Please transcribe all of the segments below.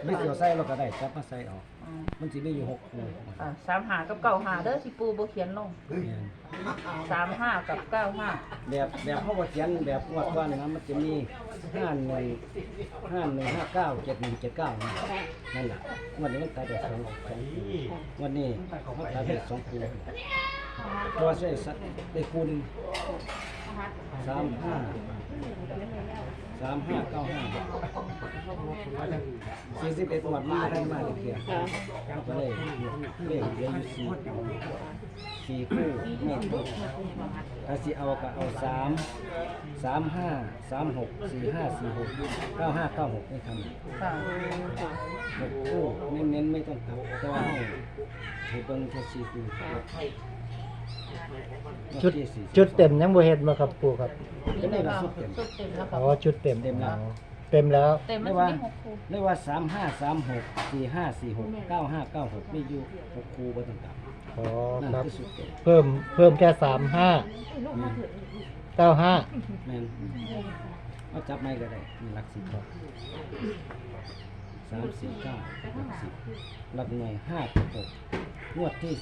ไม่เกี่ยวใส่เราก็ได้จับมาใส่ออกมันสิมีอยู่6คู่ 35กับ95เด้อที่ปูบ่เขียนลง35กับ95 แบบเฮาบ่เขียนแบบงวดก่อนนะมันจะมี51 71 59 71 79นั่นแหละงวดนี้มันตัดได้2คู่งวดนี้มันตัดได้2คู่ตัวใส่ได้คูณ41 หมวดมาได้มาเลยเพียก็เลยเลขเหลืออยู่4คู่นี่ถ้าสิเอาก็เอา3 35 36 45 46 95 96นี่ทำ6คู่เน้นๆไม่ต้องกลับแต่ว่าให้เบิ่งแค่4คู่ชุดเต็มยังบ่เฮ็ดมาครับปู่ครับก็ได้ว่าชุดเต็มแล้วอ๋อชุดเต็มเต็มแล้วเต็มแล้วเต็มเรีมัยนกว่ามี6คู่เรียกว่า35 36 45 46 95 96มีอยู่6คู่บ่ต้องกลับอ๋อนั่นครับคือชุดเต็มเพิ่มแค่35 95 แม่นเอาจับไม้ก็ได้มีหลัก10ครับ3 4 9หลัก10หลักหน่วย5 6งวดที่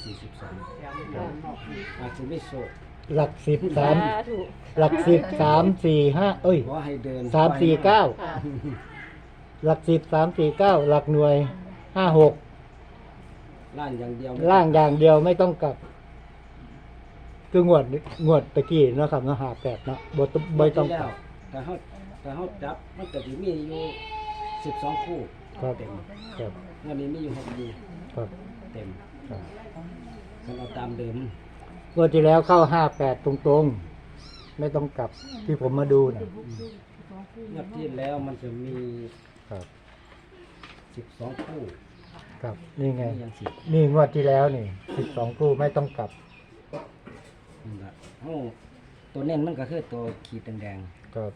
42อาจจะไม่โชคหลัก10 3หลัก10 3 4 5เอ้ยขอให้เดิน 3 4 9หลัก10 3 4 9หลักหน่วย5 6 ล่างอย่างเดียวล่างอย่างเดียวไม่ต้องกลับคืองวดตะกี้เนาะครับเนาะ58เนาะบ่ต้องกลับแต่เฮาจับมันก็สิมีอยู่12คู่ครับเต็มครับวันนี้มีอยู่6คู่ครับเต็มครับมันเอาตามเดิมงวดที่แล้วเข้า58ตรงๆไม่ต้องกลับที่ผมมาดูนะงวดที่แล้วมันจะมีครับ 12คู่ครับนี่ไงนี่ยัง10 นี่งวดที่แล้วนี่12คู่ไม่ต้องกลับนั่นล่ะเฮาตัวเน้นมันก็คือตัวขีดแดงครับ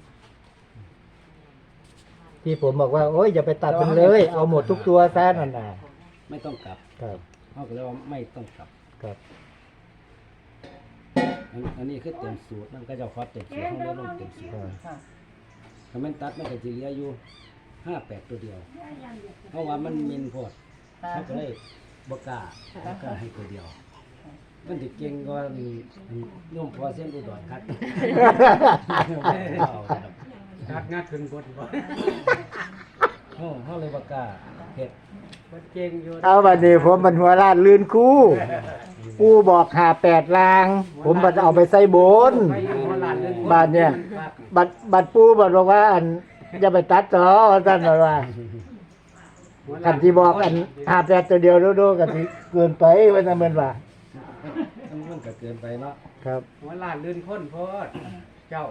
ที่ผมบอกว่าโอ้ยอย่าไปตัดมันเลย เอาหมดทุกตัวซะนั่นน่ะๆไม่ต้องกลับครับเฮาก็เลยว่าไม่ต้องกลับครับอันนี้คือเต็มสูตรมันก็จะคอเต็มสูตรเฮาเลยลงเต็มสูตรครับถ้ามันตัดมันก็สิเหลืออยู่58ตัวเดียวเพราะว่ามันมินโพดเขาก็เลยบ่กล้าให้ตัวเดียวมันสิเก่งกว่าโยมพอเส้นอุดรคัดงัดงัดขึ้นบนบ่เขาเลยบ่กล้าเฮ็ดบ่เก่งอยู่เอาบัดนี้ผมมันหัวล้านลื่นคู่ปูบอก58ลาง ผมบัดเอาไปใส่บนไปอยู่หัวลานเดินบาดเนี่ยบัดปูบัดบอกว่าอันอย่าไปตัดต่อท่านบอกว่าคันที่บอกอัน58ตัวเดียวโดๆกันสิเกินไปว่าซั่นแม่นว่ามันก็เกินไปเนาะครับหัวลานลื่นคนโพดเจ้า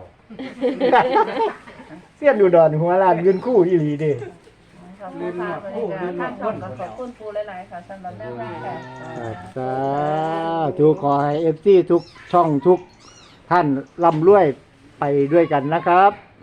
เสี้ยนอุดรหัวล้านลื่นคู่อีหลีเด้ลืมหมดคู่ลืมหมดคนขอบคุณปูหลายๆค่ะสำหรับแนวทางค่ะครับสาธุขอให้ FC ทุกช่องทุกท่านร่ำรวยไปด้วยกันนะครับ